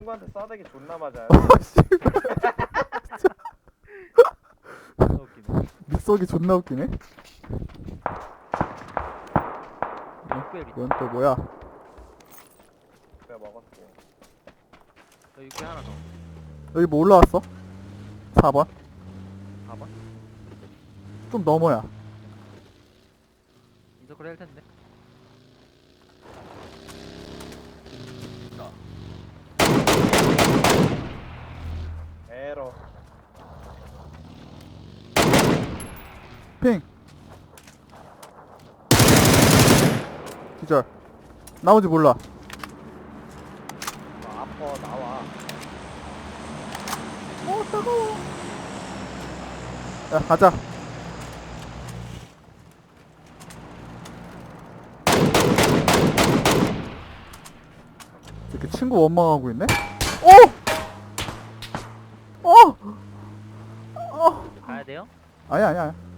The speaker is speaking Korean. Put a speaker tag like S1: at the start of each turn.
S1: 친구한테 싸대기 존나 맞아요.
S2: 존나 웃기네.
S3: 믹서기 존나 웃기네.
S2: 육배
S3: 이건 또 뭐야?
S1: 내가 먹었고.
S2: 너 육배 하나 더.
S3: 여기 뭐 올라왔어? 4번?
S2: 4번?
S3: 좀 넘어야.
S2: 인서클 할 텐데.
S1: 에러.
S3: 핑! 기절. 나머지 몰라.
S1: 너 아파 나와.
S3: 따가워. 야, 가자. 이렇게 친구 원망하고 있네? 어! 어!
S2: 가야 돼요?
S3: 아니야.